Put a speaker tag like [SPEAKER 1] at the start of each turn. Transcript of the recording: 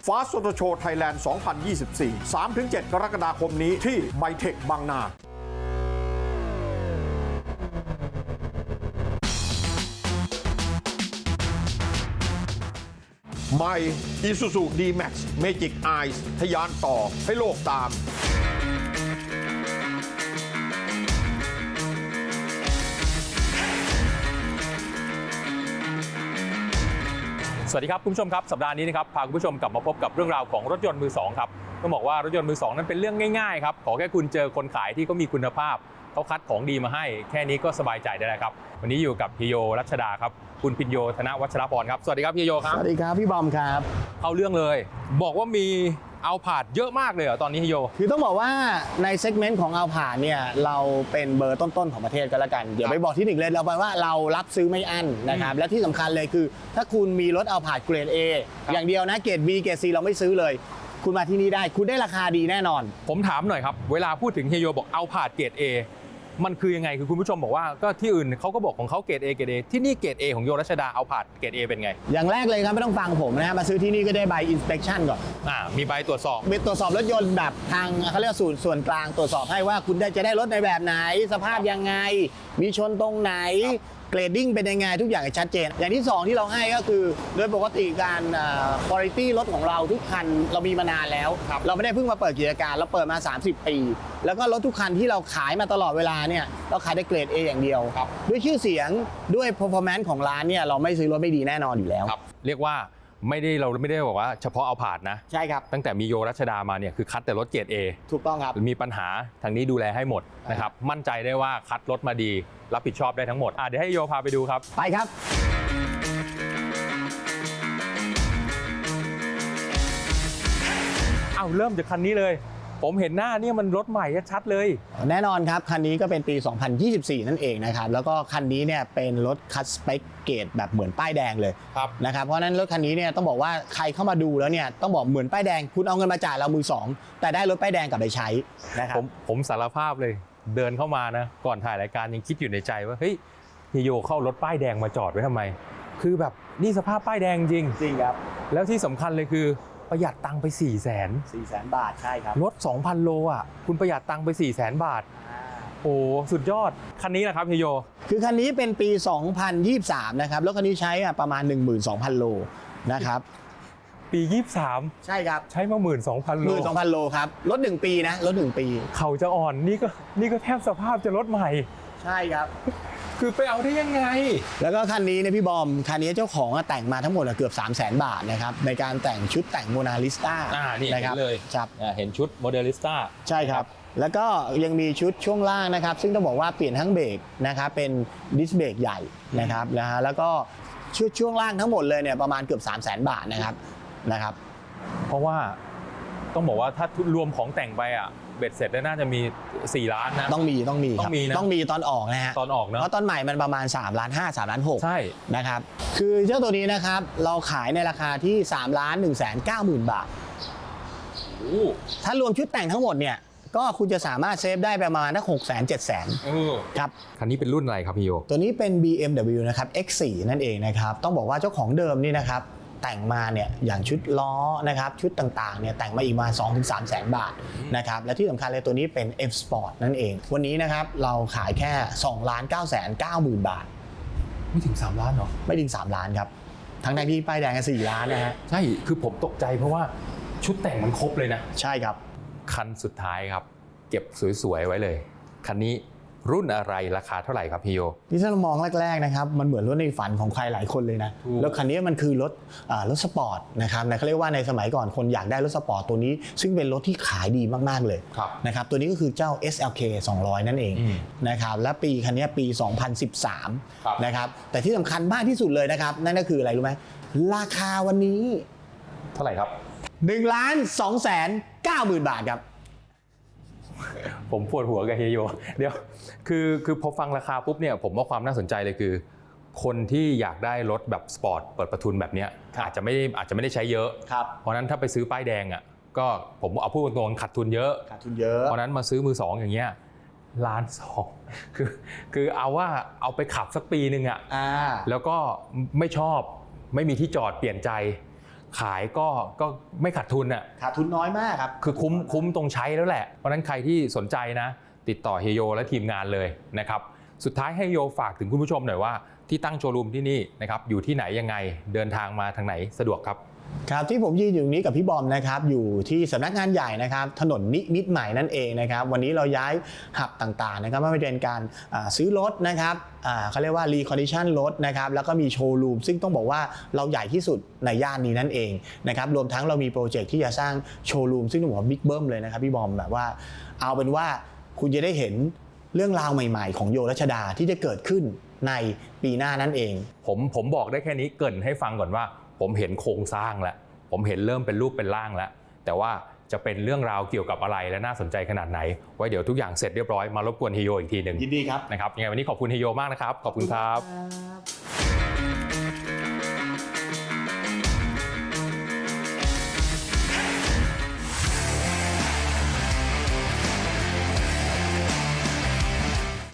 [SPEAKER 1] Fast Auto Show Thailand 2024 3-7 กรกฎาคมนี้ที่ไบเทคบางนาใหม่ Isuzu D-Max Magic Eyes ทะยานต่อให้โลกตาม
[SPEAKER 2] สวัสดีครับคุณผู้ชมครับสัปดาห์นี้นะครับพาคุณผู้ชมกลับมาพบกับเรื่องราวของรถยนต์มือสองครับต้องบอกว่ารถยนต์มือสองนั้นเป็นเรื่องง่ายๆครับขอแค่คุณเจอคนขายที่เขามีคุณภาพเขาคัดของดีมาให้แค่นี้ก็สบายใจได้แล้วครับวันนี้อยู่กับพี่โยรัชดาครับคุณพิญโยธนวัชรพรครับสวัสดีครับพี่โยครับ
[SPEAKER 3] สวัสดีครับพี่บอมครับ
[SPEAKER 2] เอาเรื่องเลยบอกว่ามีเอาผาดเยอะมากเลยเหรอตอนนี้พี่โย
[SPEAKER 3] คือต้องบอกว่าในเซกเมนต์ของเอาผ่านเนี่ยเราเป็นเบอร์ต้นๆของประเทศก็แล้วกันเดี๋ยวไปบอกที่หนึ่งเลยเราแปลว่าเรารับซื้อไม่อั้นนะครับและที่สำคัญเลยคือถ้าคุณมีรถเอาผ่านเกรด A อย่างเดียวนะเกรด B เกรด C เราไม่ซื้อเลย คุณมาที่นี่ได้คุณได้ราคาดีแน่นอน
[SPEAKER 2] ผมถามหน่อยครับเวลาพูดถึงเฮียโยบอกเอาผาดเกรด A มันคือยังไงคือคุณผู้ชมบอกว่าก็ที่อื่นเขาก็บอกของเขาเกรด A เกรด A ที่นี่เกรด A ของโยรัชดาเอาผาดเกรด A เป็นไง
[SPEAKER 3] อย่างแรกเลยครับไม่ต้องฟังผมนะฮะมาซื้อที่นี่ก็ได้ใบ inspection ก่อน
[SPEAKER 2] มีใบตรวจสอบ
[SPEAKER 3] ตรวจสอบรถยนต์แบบทางเขาเรียกส่วนกลางตรวจสอบให้ว่าคุณจะได้รถในแบบไหนสภาพยังไงมีชนตรงไหนเกรดดิ้งเป็นยังไงทุกอย่างชัดเจนอย่างที่2ที่เราให้ก็คือโดยปกติการคุณภาพรถของเราทุกคันเรามีมานานแล้วเราไม่ได้เพิ่งมาเปิดกิจการเราเปิดมา30 ปีแล้วก็รถทุกคันที่เราขายมาตลอดเวลาเนี่ยเราขายได้เกรด A อย่างเดียวด้วยชื่อเสียงด้วย performance ของร้านเนี่ยเราไม่ซื้อรถไม่ดีแน่นอนอยู่แล้ว
[SPEAKER 2] เรียกว่าเราไม่ได้บอกว่าเฉพาะเอาผาดนะ
[SPEAKER 3] ใช่ครับ
[SPEAKER 2] ตั้งแต่มีโยรัชดามาเนี่ยคือคัดแต่รถเกรด A
[SPEAKER 3] ถูกต้องครับ
[SPEAKER 2] มีปัญหาทางนี้ดูแลให้หมดนะครับมั่นใจได้ว่าคัดรถมาดีรับผิดชอบได้ทั้งหมดเดี๋ยวให้โยพาไปดูครับ
[SPEAKER 3] ไปครับ
[SPEAKER 2] เริ่มจากคันนี้เลยผมเห็นหน้านี่มันรถใหม่ชัดเลย
[SPEAKER 3] แน่นอนครับคันนี้ก็เป็นปี 2024 นั่นเองนะครับแล้วก็คันนี้เนี่ยเป็นรถคัสสเปคเกรดแบบเหมือนป้ายแดงเลยนะครับเพราะนั้นรถคันนี้เนี่ยต้องบอกว่าใครเข้ามาดูแล้วเนี่ยต้องบอกเหมือนป้ายแดงคุณเอาเงินมาจ่ายเรามือสองแต่ได้รถป้ายแดงกลับไปใช้นะครับ
[SPEAKER 2] ผมสารภาพเลยเดินเข้ามานะก่อนถ่ายรายการยังคิดอยู่ในใจว่าเฮ้ยพี่โยเข้ารถป้ายแดงมาจอดไว้ทำไมคือแบบนี่สภาพป้ายแดงจริง
[SPEAKER 3] ครับ
[SPEAKER 2] แล้วที่สำคัญเลยคือประหยัดตังค์ไป
[SPEAKER 3] 400,000 บาทใช่ครับ
[SPEAKER 2] รถ 2,000 โลคุณประหยัดตังค์ไป 400,000 บาทโอ้สุดยอดคันนี้นะครับพี่โย
[SPEAKER 3] คือคันนี้เป็นปี 2023 นะครับแล้วคันนี้ใช้ประมาณ 12,000 โลนะครับ
[SPEAKER 2] ปี 23
[SPEAKER 3] ใช่ครับ
[SPEAKER 2] ใช้มา 12,000 โล
[SPEAKER 3] 12,000 โลครับรถ1 ปีนะรถ1 ปี
[SPEAKER 2] เขาจะอ่อนนี่ก็แทบสภาพจะรถใหม่
[SPEAKER 3] ใช่ครับ
[SPEAKER 2] คือไปเอาได้ยังไง
[SPEAKER 3] แล้วก็คันนี้เนี่ยพี่บอมคันนี้เจ้าของแต่งมาทั้งหมดเกือบ 300,000 บาทนะครับในการแต่งชุดแต่งโมนาลิสต้า
[SPEAKER 2] นี่เห็นเลย
[SPEAKER 3] ครับ
[SPEAKER 2] เห็นชุดโมเดลิสต้า
[SPEAKER 3] ใช่ครับแล้วก็ยังมีชุดช่วงล่างนะครับซึ่งต้องบอกว่าเปลี่ยนทั้งเบรกนะครับเป็นดิสเบรกใหญ่นะครับแล้วก็ชุดช่วงล่างทั้งหมดเลยเนี่ยประมาณเกือบ 300,000 บาทนะครับ
[SPEAKER 2] เพราะว่าต้องบอกว่าถ้ารวมของแต่งไปเบ็ดเสร็จแล้วน่าจะมี4 ล้านนะ
[SPEAKER 3] ต้องมีครับต้องมีตอนออกนะฮะ
[SPEAKER 2] ตอนออกเนาะ
[SPEAKER 3] เพราะตอนใหม่มันประมาณ3.5 ล้าน3.6 ล้าน
[SPEAKER 2] ใช่
[SPEAKER 3] นะครับคือเจ้าตัวนี้นะครับเราขายในราคาที่3,190,000 บาทถ้ารวมชุดแต่งทั้งหมดเนี่ยก็คุณจะสามารถเซฟได้ประมาณนัก600,000-700,000ครับ
[SPEAKER 2] คันนี้เป็นรุ่นอะไรครับพี่โย
[SPEAKER 3] ตัวนี้เป็น BMW นะครับ X4 นั่นเองนะครับต้องบอกว่าเจ้าของเดิมนี่นะครับแต่งมาเนี่ยอย่างชุดล้อนะครับชุดต่างๆเนี่ยแต่งมาอีกมา 2-300,000 บาทนะครับและที่สำคัญเลยตัวนี้เป็น F Sport นั่นเองวันนี้นะครับเราขายแค่ 2,990,000 บาท
[SPEAKER 2] ไม่ถึง3 ล้านเหรอ
[SPEAKER 3] ไม่ถึง3 ล้านครับทั้งที่ป้ายแดงกัน4 ล้านนะฮะ
[SPEAKER 2] ใช่คือผมตกใจเพราะว่าชุดแต่งมันครบเลยนะ
[SPEAKER 3] ใช่ครับ
[SPEAKER 2] คันสุดท้ายครับเก็บสวยๆไว้เลยคันนี้รุ่นอะไรราคาเท่าไหร่ครับพี่โย
[SPEAKER 3] ที่ถ้าเรามองแรกๆนะครับมันเหมือนรถในฝันของใครหลายคนเลยนะแล้วคันนี้มันคือรถสปอร์ตนะครับเขาเรียกว่าในสมัยก่อนคนอยากได้รถสปอร์ตตัวนี้ซึ่งเป็นรถที่ขายดีมากๆเลยนะครับตัวนี้ก็คือเจ้า SLK 200นั่นเองนะครับและปีคันนี้ปี 2013นะครับแต่ที่สำคัญมากที่สุดเลยนะครับนั่นก็คืออะไรรู้ไหมราคาวันนี้
[SPEAKER 2] เท่าไหร่ครับ
[SPEAKER 3] 1,290,000 บาทครับ
[SPEAKER 2] ผมปวดหัวกับเฮียโยเดี๋ยวคือพอฟังราคาปุ๊บเนี่ยผมว่าความน่าสนใจเลยคือคนที่อยากได้รถแบบสปอร์ตเปิดประทุนแบบนี้อาจจะไม่ได้ใช้เยอะเพราะนั้นถ้าไปซื้อป้ายแดงก็ผมเอาพูดตรงๆขาดทุนเยอะเพราะนั้นมาซื้อมือสองอย่างเงี้ย1.2 ล้านคือเอาไปขับสักปีนึงแล้วก็ไม่ชอบไม่มีที่จอดเปลี่ยนใจขายก็ไม่ขาดทุนอ่ะ
[SPEAKER 3] ขาดทุนน้อยมากครับ
[SPEAKER 2] คือคุ้มตรงใช้แล้วแหละเพราะฉะนั้นใครที่สนใจนะติดต่อเฮโยและทีมงานเลยนะครับสุดท้ายให้โยฝากถึงคุณผู้ชมหน่อยว่าที่ตั้งโชว์รูมที่นี่นะครับอยู่ที่ไหนยังไงเดินทางมาทางไหนสะดวกครับ
[SPEAKER 3] ครับที่ผมยืนอยู่นี้กับพี่บอมนะครับอยู่ที่สำนักงานใหญ่นะครับถนนนิมิตรใหม่นั่นเองนะครับวันนี้เราย้ายหับต่างๆนะครับไม่ว่าจะเป็นการซื้อรถนะครับเขาเรียกว่ารีคอนดิชันรถนะครับแล้วก็มีโชว์รูมซึ่งต้องบอกว่าเราใหญ่ที่สุดในย่านนี้นั่นเองนะครับรวมทั้งเรามีโปรเจกต์ที่จะสร้างโชว์รูมซึ่งต้องบอกว่าบิ๊กเบิ้มเลยนะครับพี่บอมแบบว่าเอาเป็นว่าคุณจะได้เห็นเรื่องราวใหม่ๆของโยรัชดาที่จะเกิดขึ้นในปีหน้านั่นเอง
[SPEAKER 2] ผมบอกได้แค่นี้เกริ่นให้ฟังก่อนว่าผมเห็นโครงสร้างแล้วผมเห็นเริ่มเป็นรูปเป็นร่างแล้วแต่ว่าจะเป็นเรื่องราวเกี่ยวกับอะไรและน่าสนใจขนาดไหนไว้เดี๋ยวทุกอย่างเสร็จเรียบร้อยมารบกวนเฮโยอีกทีหนึ่ง
[SPEAKER 3] ยินดีครับ
[SPEAKER 2] นะครับยังไงวันนี้ขอบคุณเฮโยมากนะครับขอบคุณครับ